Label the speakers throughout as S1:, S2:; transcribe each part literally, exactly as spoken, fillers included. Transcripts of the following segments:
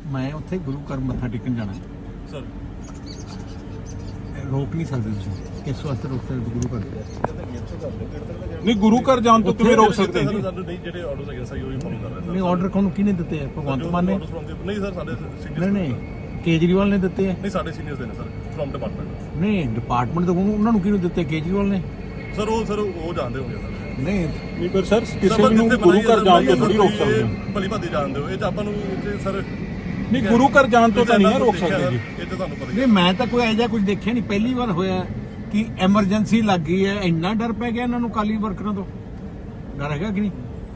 S1: ਮੈਂ ਉੱਥੇ ਗੁਰੂ ਘਰ ਮੱਥਾ ਟੇਕਣ ਜਾਣਾ
S2: ਸਰ।
S1: ਰੋਕ ਨਹੀਂ ਸਕਦੇ ਤੁਸੀਂ, ਕਿਸ ਵਾਸਤੇ ਰੋਕ ਸਕਦੇ ਗੁਰੂ ਘਰ?
S3: ਨਹੀਂ ਗੁਰੂ ਘਰ ਜਾਣ ਤੋਂ ਕਿਵੇਂ ਰੋਕ ਸਕਦੇ ਜੀ?
S2: ਨਹੀਂ ਜਿਹੜੇ ਆਰਡਰਸ ਹੈਗੇ ਸਹੀ ਉਹੀ ਫੋਲੋ ਕਰ ਰਹੇ ਸਰ।
S1: ਨਹੀਂ ਆਰਡਰ ਕੋਣ ਕਿਹਨੇ ਦਿੱਤੇ ਆ? ਭਗਵੰਤ ਮਾਨ ਨੇ?
S2: ਨਹੀਂ ਸਰ, ਸਾਡੇ ਸੀਨੀਅਰਸ
S1: ਨਹੀਂ ਨਹੀਂ ਕੇਜਰੀਵਾਲ ਨੇ ਦਿੱਤੇ ਆ?
S2: ਨਹੀਂ ਸਾਡੇ ਸੀਨੀਅਰਸ ਦੇ ਨੇ ਸਰ, ਫਰਮ ਡਿਪਾਰਟਮੈਂਟ।
S1: ਨਹੀਂ ਡਿਪਾਰਟਮੈਂਟ ਤੋਂ ਉਹਨਾਂ ਨੂੰ ਕਿਹਨੂੰ ਦਿੱਤੇ? ਕੇਜਰੀਵਾਲ ਨੇ?
S2: ਸਰ ਉਹ ਸਰ ਉਹ ਜਾਣਦੇ ਹੋਗੇ ਸਰ।
S1: ਨਹੀਂ
S3: ਨਹੀਂ ਪਰ ਸਰ ਕਿਸੇ ਨੂੰ ਗੁਰੂ ਘਰ ਜਾਣ ਤੋਂ ਥੋੜੀ ਰੋਕ ਸਕਦੇ।
S2: ਭਲੀ ਭਾਦੀ ਜਾਣਦੇ ਹੋ, ਇਹ ਤਾਂ ਆਪਾਂ ਨੂੰ ਸਰ
S3: ਨਹੀਂ ਗੁਰੂ ਘਰ ਜਾਣ ਤੋਂ ਤਾਂ ਨਹੀਂ ਰੋਕ ਸਕਦੇ ਜੀ।
S2: ਇਹ ਤਾਂ ਤੁਹਾਨੂੰ ਪਤਾ ਹੀ
S1: ਨਹੀਂ ਮੈਂ ਤਾਂ ਕੋਈ ਐਜਾ ਕੁਝ ਦੇਖਿਆ ਨਹੀਂ, ਪਹਿਲੀ ਵਾਰ ਹੋਇਆ ਕਿ ਐਮਰਜੈਂਸੀ ਲੱਗ ਗਈ ਹੈ, ਇੰਨਾ ਡਰ ਪੈ ਗਿਆ ਇਹਨਾਂ ਨੂੰ ਕਾਲੀ ਵਰਕਰਾਂ ਤੋਂ। ਡਰ ਹੈਗਾ ਕਿ ਨਹੀਂ?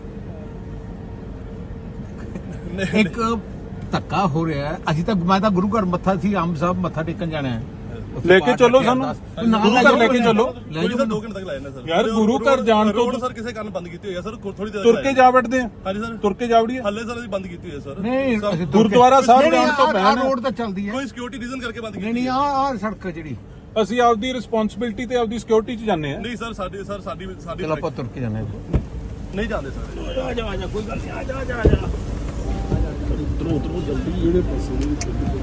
S1: ਇੱਕ ਧੱਕਾ ਹੋ ਰਿਹਾ ਹੈ। ਅਸੀਂ ਤਾਂ ਮੈਂ ਤਾਂ ਗੁਰੂ ਘਰ ਮੱਥਾ ਸੀ ਆਮ ਸਾਹਿਬ ਮੱਥਾ ਟੇਕਣ ਜਾਣਾ ਹੈ,
S3: ਲੈ ਕੇ ਚੱਲੋ ਸਾਨੂੰ, ਗੁਰੂ ਘਰ ਲੈ ਕੇ ਚੱਲੋ।
S2: ਕੋਈ ਸਰ ਦੋ ਘੰਟੇ ਤੱਕ ਲਾਇਆ ਨਾ ਸਰ।
S3: ਯਾਰ ਗੁਰੂ ਘਰ ਜਾਣ ਤੋਂ
S2: ਸਰ ਕਿਸੇ ਕਾਰਨ ਬੰਦ ਕੀਤੀ ਹੋਈ ਹੈ ਸਰ, ਥੋੜੀ ਦੇਰ
S3: ਤੁਰ ਕੇ ਜਾ ਵੜਦੇ ਆ।
S2: ਹਾਂਜੀ ਸਰ,
S3: ਤੁਰ ਕੇ ਜਾ ਵੜੀਏ।
S2: ਹੱਲੇ ਸਰ ਅਸੀਂ ਬੰਦ ਕੀਤੀ ਹੋਈ ਹੈ ਸਰ।
S1: ਨਹੀਂ
S3: ਗੁਰਦੁਆਰਾ ਸਾਹਿਬ ਜਾਣ ਤੋਂ
S1: ਪਹਿਲਾਂ ਰੋਡ ਤਾਂ ਚੱਲਦੀ ਹੈ।
S2: ਕੋਈ ਸਿਕਿਉਰਿਟੀ ਰੀਜ਼ਨ ਕਰਕੇ ਬੰਦ ਕੀਤੀ
S1: ਨਹੀਂ ਨਹੀਂ ਆਹ ਆਹ ਸੜਕ ਜਿਹੜੀ
S3: ਅਸੀਂ ਆਪਦੀ ਰਿਸਪੌਂਸਿਬਿਲਟੀ ਤੇ ਆਪਦੀ ਸਿਕਿਉਰਿਟੀ 'ਚ ਜਾਂਦੇ ਆ।
S2: ਨਹੀਂ ਸਰ ਸਾਡੀ ਸਰ ਸਾਡੀ ਸਾਡੀ
S1: ਚਲੋ ਆਪਾਂ ਤੁਰ ਕੇ ਜਾਣਾ
S2: ਨਹੀਂ ਜਾਂਦੇ ਸਰ।
S1: ਆ ਜਾ ਆ ਜਾ ਕੋਈ ਗੱਲ ਨਹੀਂ, ਆ ਜਾ ਆ ਜਾ ਆ ਜਾ
S2: ਉਤਰੋ ਉਤਰੋ ਜਲਦੀ ਜਿਹੜੇ ਪਾਸੇ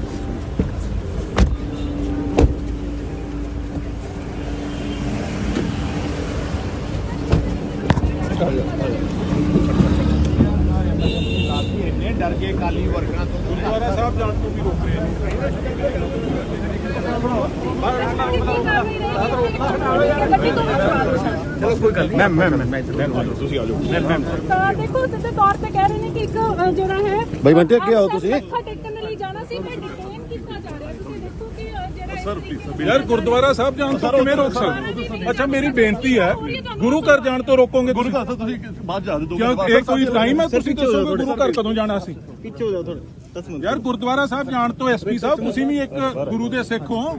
S1: ਇੰਨੇ ਡਰ ਗਏ ਕਾਲੀ ਵਰਕਰਾਂ ਤੋਂ।
S3: ਗੁਰਦੁਆਰਾ ਸਾਹਿਬ ਜਾਣ ਤੋਂ ਵੀ ਰੋਕ ਰਹੇ
S1: ਚਲੋ ਕੋਈ ਗੱਲ ਨਹੀਂ ਮੈਮ ਮੈਮ ਮੈਂ ਤੁਸੀਂ ਆ ਜਾਓ ਮੈਮ ਮੈਮ
S4: ਤਾਂ ਦੇਖੋ ਸਿੱਧੇ ਤੌਰ ਤੇ ਕਹਿ ਰਹੇ ਨੇ ਕਿ ਇੱਕ ਅ, ਜਿਹੜਾ ਹੈ
S5: ਬਾਈ ਬੰਟੇ ਅੱਗੇ ਆਓ ਤੁਸੀਂ।
S4: ਮੱਥਾ ਟੇਕਣ ਲਈ ਜਾਣਾ ਸੀ, ਮੈਂ ਡਿਟੇਨ ਕੀਤਾ ਜਾ ਰਿਹਾ। ਤੁਸੀਂ ਦੇਖੋ ਕਿ ਅ, ਜਿਹੜਾ
S2: ਸਰ ਪਲੀਜ਼
S3: ਯਾਰ ਗੁਰਦੁਆਰਾ ਸਾਹਿਬ ਜਾਣ ਤੋਂ ਕਿਵੇਂ ਰੋਕ ਸਕਦੇ? ਅੱਛਾ ਮੇਰੀ ਬੇਨਤੀ ਹੈ, ਗੁਰੂ ਘਰ ਜਾਣ ਤੋਂ ਰੋਕੋਗੇ
S2: ਗੁਰੂ
S3: ਤੁਸੀਂ?
S2: ਘਰ ਤੁਸੀਂ ਬਾਅਦ ਜਾ ਦੋ
S3: ਕਿਉਂ ਇਹ ਕੋਈ ਟਾਈਮ ਹੈ? ਤੁਸੀਂ ਦੱਸੋਗੇ ਗੁਰੂ ਘਰ ਕਦੋਂ ਜਾਣਾ ਸੀ?
S5: ਪਿੱਛੇ ਹੋ ਜਾਓ ਥੋੜੇ ਦਸ ਮਿੰਟ।
S3: ਯਾਰ ਗੁਰਦੁਆਰਾ ਸਾਹਿਬ ਜਾਣ ਤੋਂ ਐਸਪੀ ਸਾਹਿਬ ਤੁਸੀਂ ਵੀ ਇੱਕ ਗੁਰੂ ਦੇ ਸਿੱਖ ਹੋ।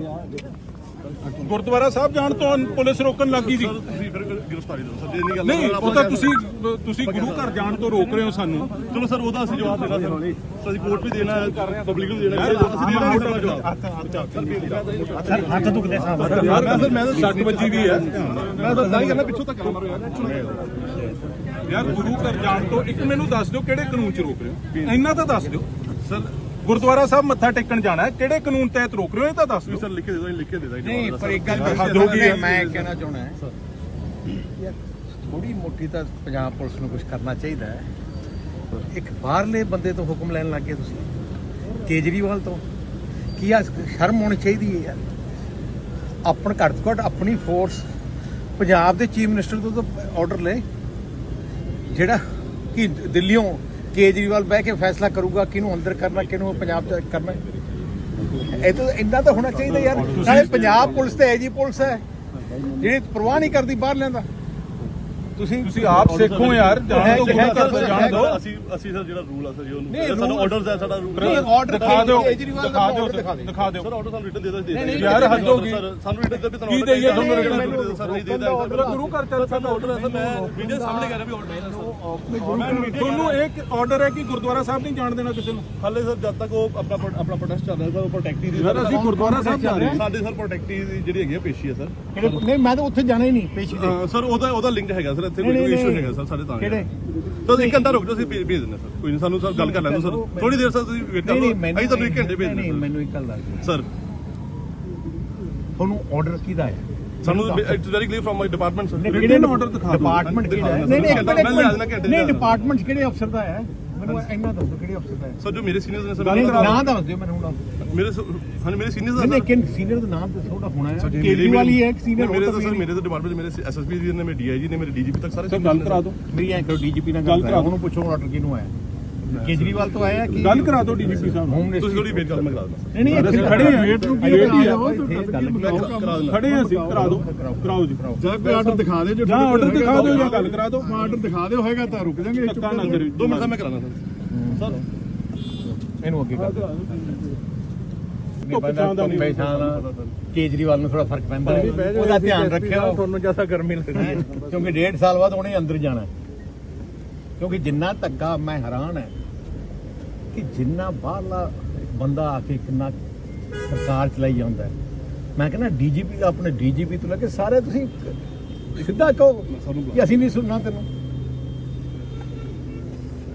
S3: ਗੁਰਦੁਆਰਾ ਸਾਹਿਬ ਜਾਣ ਤੋਂ ਪੁਲਿਸ ਰੋਕਣ ਲੱਗੀ ਜੀ।
S2: ਤੁਸੀਂ ਫਿਰ ਗ੍ਰਿਫਤਾਰੀ ਦਿਓ ਸਰ, ਜੇ ਨਹੀਂ ਗੱਲ
S3: ਨਹੀਂ ਉਹ ਤਾਂ ਤੁਸੀਂ ਤੁਸੀਂ ਗੁਰੂ ਘਰ ਜਾਣ ਤੋਂ ਰੋਕ ਰਹੇ ਹੋ ਸਾਨੂੰ।
S2: ਚਲੋ ਸਰ ਉਹਦਾ ਅਸੀਂ ਜਵਾਬ ਦੇਣਾ ਸਰ। ਸਰ ਅਸੀਂ ਕੋਰਟ ਵੀ ਦੇਣਾ ਹੈ, ਪਬਲਿਕ ਨੂੰ ਦੇਣਾ ਹੈ, ਅਸੀਂ ਦੇਣਾ ਹੈ ਜਵਾਬ।
S1: ਸਰ ਹੱਥ ਦੁਖਦੇ ਸਾਹਿਬ
S3: ਯਾਰ ਸਰ ਮੈਂ ਤਾਂ ਸੱਟ ਵੱਜੀ ਵੀ ਹੈ।
S2: ਮੈਂ ਤਾਂ ਨਹੀਂ ਕਰਨਾ, ਪਿੱਛੋਂ ਤੱਕ ਮਾਰੋ ਯਾਰ।
S3: ਯਾਰ ਗੁਰੂ ਘਰ ਜਾਣ ਤੋਂ ਇੱਕ ਮੈਨੂੰ ਦੱਸ ਦਿਓ ਕਿਹੜੇ ਕਾਨੂੰਨ 'ਚ ਰੋਕ ਰਹੇ ਹੋ? ਇੰਨਾ ਤਾਂ ਦੱਸ ਦਿਓ।
S2: ਸਰ
S3: ਗੁਰਦੁਆਰਾ ਸਾਹਿਬ ਮੱਥਾ ਟੇਕਣ ਜਾਣਾ ਹੈ, ਕਿਹੜੇ ਕਾਨੂੰਨ ਤਹਿਤ ਰੋਕ ਰਹੇ ਹੋ ਇਹ ਤਾਂ ਦੱਸ ਦਿਓ।
S2: ਸਰ ਲਿਖ ਕੇ ਦੇ ਦੋ, ਲਿਖ ਕੇ ਦੇ ਦੋ।
S1: ਨਹੀਂ ਪਰ ਇੱਕ ਗੱਲ
S3: ਹੱਦ ਹੋ ਗਈ ਹੈ।
S1: ਮੈਂ ਕਹਿਣਾ ਚਾਹੁੰਦਾ ਹੈ ਯਾਰ ਥੋੜੀ ਮੋਟੀ ਤਾਂ ਪੰਜਾਬ ਪੁਲਿਸ ਨੂੰ ਕੁਝ ਕਰਨਾ ਚਾਹੀਦਾ ਹੈ। ਇੱਕ ਬਾਹਰਲੇ ਬੰਦੇ ਤੋਂ ਹੁਕਮ ਲੈਣ ਲੱਗ ਗਏ ਤੁਸੀਂ, ਕੇਜਰੀਵਾਲ ਤੋਂ। ਕੀ ਆ ਸ਼ਰਮ ਹੋਣੀ ਚਾਹੀਦੀ ਹੈ ਯਾਰ। ਆਪਣ ਘੱਟ ਤੋਂ ਘੱਟ ਆਪਣੀ ਫੋਰਸ ਪੰਜਾਬ ਦੇ ਚੀਫ ਮਿਨਿਸਟਰ ਤੋਂ ਤਾਂ ਆਰਡਰ ਲੈ, ਜਿਹੜਾ ਕਿ ਦਿੱਲੀੋਂ ਕੇਜਰੀਵਾਲ ਬਹਿ ਕੇ ਫੈਸਲਾ ਕਰੂਗਾ ਕਿਹਨੂੰ ਅੰਦਰ ਕਰਨਾ ਕਿਹਨੂੰ ਪੰਜਾਬ ਚ ਕਰਨਾ। ਇਹ ਤਾਂ ਇੰਨਾ ਤਾਂ ਹੋਣਾ ਚਾਹੀਦਾ ਯਾਰ। ਨਾਲੇ ਪੰਜਾਬ ਪੁਲਿਸ ਤੇ ਐਜੀ ਪੁਲਿਸ ਹੈ ਜਿਹੜੀ ਪਰਵਾਹ ਨਹੀਂ ਕਰਦੀ ਬਾਹਰ ਲੈਂਦਾ। ਤੁਸੀਂ
S3: ਤੁਸੀਂ ਆਪ ਸਿੱਖੋ ਯਾਰ, ਜਾਣ ਤੋਂ ਗੁਰੂ ਘਰ ਤੋਂ ਜਾਣ ਦਿਓ।
S2: ਅਸੀਂ ਅਸੀਂ ਸਰ ਜਿਹੜਾ ਰੂਲ ਆ ਸਰ ਜੀ ਉਹਨੂੰ ਸਾਨੂੰ ਆਰਡਰਸ ਹੈ ਸਾਡਾ ਰੂਲ।
S1: ਆਰਡਰ
S3: ਦਿਖਾ ਦਿਓ
S1: ਕੇਜਰੀਵਾਲ
S3: ਦਿਖਾ ਦਿਓ
S1: ਦਿਖਾ ਦਿਓ
S3: ਦਿਖਾ ਦਿਓ
S2: ਸਰ ਆਰਡਰ ਸਾਨੂੰ ਰਿਟਨ ਦੇ ਦੋ ਦੇ
S3: ਯਾਰ ਹੱਦ ਹੋ ਗਈ।
S2: ਸਾਨੂੰ ਰਿਟਨ ਦੇ ਵੀ ਤੁਹਾਨੂੰ
S3: ਕੀ ਦੇਈਏ ਤੁਹਾਨੂੰ ਰਿਟਨ?
S2: ਸਰ ਨਹੀਂ ਦੇਦਾ
S3: ਸਰ ਗੁਰੂ ਘਰ ਚੱਲ
S2: ਸਾਡਾ ਆਰਡਰ ਹੈ ਸਰ। ਮੈਂ ਵੀਡੀਓ ਸਾਹਮਣੇ ਕਰ ਰਿਹਾ ਵੀ ਆਰਡਰ ਹੈ ਸਰ।
S3: ਤੁਹਾਨੂੰ ਇੱਕ ਆਰਡਰ ਹੈ ਕਿ ਗੁਰਦੁਆਰਾ ਸਾਹਿਬ ਨਹੀਂ ਜਾਣ ਦੇਣਾ ਕਿਸੇ ਨੂੰ।
S2: ਹਾਲੇ ਸਰ ਜਦ ਤੱਕ ਉਹ ਆਪਣਾ ਆਪਣਾ ਪ੍ਰੋਟੈਸਟ ਚੱਲ ਰਿਹਾ ਸਰ, ਉਹ ਪ੍ਰੋਟੈਕਟੀ ਦੀ
S3: ਯਾਰ ਅਸੀਂ ਗੁਰਦੁਆਰਾ ਸਾਹਿਬ ਜਾ ਰਹੇ ਹਾਂ।
S2: ਸਾਡੇ ਸਰ ਪ੍ਰੋਟੈਕਟੀ ਦੀ ਜਿਹੜੀ ਹੈਗੀ ਆ ਪੇਸ਼ੀ ਹੈ ਸਰ।
S1: ਨਹੀਂ ਮੈਂ ਤਾਂ ਉੱਥੇ ਜਾਣਾ ਹੀ ਨਹੀਂ ਪੇਸ਼ੀ ਤੇ।
S2: ਸਰ ਉਹਦਾ ਉਹਦਾ ਲਿੰਕ ਹੈਗਾ ਸਰ, ਇੱਥੇ ਕੋਈ ਇਸ਼ੂ ਹੈਗਾ ਸਰ ਸਾਡੇ ਤਾਂ।
S1: ਕਿਹੜੇ?
S2: ਤਾਂ ਇੱਕ ਘੰਟਾ ਰੁਕ ਜਾਓ, ਅਸੀਂ ਭੇਜ ਦਿੰਦੇ ਸਰ। ਕੋਈ ਨਹੀਂ, ਸਾਨੂੰ ਸਰ ਗੱਲ ਕਰ ਲੈਣ ਦਿਓ ਸਰ, ਥੋੜੀ ਦੇਰ ਸਰ ਤੁਸੀਂ ਵੇਟ ਕਰੋ। ਅਸੀਂ ਤੁਹਾਨੂੰ ਇੱਕ ਘੰਟੇ ਭੇਜ
S1: ਨਹੀਂ
S2: ਦਿੰਦੇ
S1: ਮੈਨੂੰ ਇੱਕ ਗੱਲ ਦੱਸ
S2: ਸਰ।
S1: ਤੁਹਾਨੂੰ ਆਰਡਰ ਕਿਹਦਾ ਹੈ?
S2: ਸਾਨੂੰ it's very clear from my department sir.
S1: ਕਿਹੜੇ
S3: ਆਰਡਰ ਦਿਖਾ ਦਿਓ।
S1: ਡਿਪਾਰਟਮੈਂਟ ਕਿਹੜਾ ਹੈ? ਨਹੀਂ ਨਹੀਂ ਨਹੀਂ ਡਿਪਾਰਟਮੈਂਟ ਕਿਹੜੇ ਅਫਸਰ ਦਾ ਹੈ? ਮੈਨੂੰ ਇੰਨਾ ਦੱਸੋ ਕਿਹੜੇ ਅਫਸਰ ਦਾ ਹੈ?
S2: ਸਰ ਜੋ ਮੇਰੇ ਸੀਨੀਅਰਸ ਨੇ ਸਰ।
S1: ਨਾਮ ਦੱਸ ਦਿਓ ਮੈਨੂੰ ਹੁਣ।
S2: ਮੇਰੇ ਹਾਂ ਮੇਰੇ ਸੀਨੀਅਰਸ
S1: ਨਹੀਂ
S2: ਦਾ
S1: ਲੇਕਿਨ ਸੀਨੀਅਰ ਦਾ ਨਾਮ ਦੱਸੋ ਉਹਦਾ ਹੋਣਾ ਹੈ। ਕੇਜਰੀਵਾਲ ਹੀ ਹੈ ਇੱਕ ਸੀਨੀਅਰ।
S2: ਮੇਰੇ ਤਾਂ ਸਰ ਮੇਰੇ ਤਾਂ ਡਿਪਾਰਟਮੈਂਟ ਮੇਰੇ ਐਸਐਸਪੀ ਜੀ ਨੇ, ਮੇਰੇ ਡੀਆਈਜੀ ਨੇ, ਮੇਰੇ ਡੀਜੀਪੀ ਤੱਕ ਸਾਰੇ
S3: ਸਰ ਗੱਲ ਕਰਾ ਦਿਓ।
S1: ਮੇਰੀ ਐਂ ਕਰੋ ਡੀਜੀਪੀ ਨਾਲ ਗੱਲ ਕਰਾ ਉਹਨੂੰ ਪੁੱਛੋ ਆਰਡਰ ਕਿਹਨੂੰ ਆਇਆ। ਕੇਜਰੀਵਾਲ ਤੋਂ ਆਇਆ ਕਿ
S3: ਗੱਲ ਕਰਾ ਦਿਓ ਡੀਜੀਪੀ ਸਾਹਿਬ ਨੂੰ।
S1: Home minister?
S2: ਤੁਸੀਂ ਥੋੜੀ ਵੇਟ ਕਰੋ, ਮੈਂ ਕਰਾ ਦਿੰਦਾ।
S1: ਨਹੀਂ ਨਹੀਂ ਇੱਥੇ
S3: ਖੜੇ ਹਾਂ,
S1: ਵੇਟ ਨੂੰ ਕੀ
S3: ਵੇਟ ਹੀ
S1: ਕਰਾ
S3: ਹੈ।
S1: ਦਿਓ।
S2: ਕਰਾ ਦਿੰਦਾ।
S3: ਖੜੇ ਹਾਂ ਅਸੀਂ, ਕਰਾ ਦਿਓ ਕਰਾਓ ਜੀ।
S5: ਜਾਂ ਕੋਈ ਆਰਡਰ ਦਿਖਾ ਦਿਓ, ਜੋ
S3: ਜਾਂ ਆਰਡਰ ਦਿਖਾ ਦਿਓ ਜਾਂ ਗੱਲ ਕਰਾ ਦਿਓ।
S5: ਆਰਡਰ ਦਿਖਾ ਦਿਓ ਹੋਏਗਾ ਤਾਂ ਰੁਕ ਜਾਾਂਗੇ।
S3: ਧੱਕਾ ਨਾ ਕਰਿਓ।
S2: ਦੋ ਮਿੰਟ ਮੈਂ ਕਰਾਣਾ ਸਰ। ਸਰ
S1: ਇਹਨੂੰ ਅੱਗੇ ਕਰ ਦਿਓ। ਕੇਜਰੀਵਾਲ ਨੂੰ ਥੋੜਾ ਫਰਕ ਪੈਂਦਾ ਹੈ, ਉਹਦਾ ਧਿਆਨ ਰੱਖਿਓ। ਤੁਹਾਨੂੰ ਜਿਆਦਾ ਗਰਮੀ ਲੱਗਦੀ ਹੈ ਕਿਉਂਕਿ ਡੇਢ ਸਾਲ ਬਾਅਦ ਉਹਨੇ ਅੰਦਰ ਜਾਣਾ। ਕਿਉਂਕਿ ਜਿੰਨਾ ਧੱਕਾ ਮੈਂ ਹੈਰਾਨ ਹੈ ਕਿ ਜਿੰਨਾ ਬਾਹਰਲਾ ਬੰਦਾ ਆ ਕੇ ਕਿੰਨਾ ਸਰਕਾਰ ਚਲਾਈ ਜਾਂਦਾ ਹੈ। ਮੈਂ ਕਹਿੰਦਾ ਡੀਜੀਪੀ ਦਾ ਆਪਣੇ ਡੀਜੀਪੀ ਤੋਂ ਲੈ ਕੇ ਸਾਰੇ ਤੁਸੀਂ ਸਿੱਧਾ ਕਹੋ ਕਿ ਅਸੀਂ ਨਹੀਂ ਸੁਣਨਾ ਤੈਨੂੰ।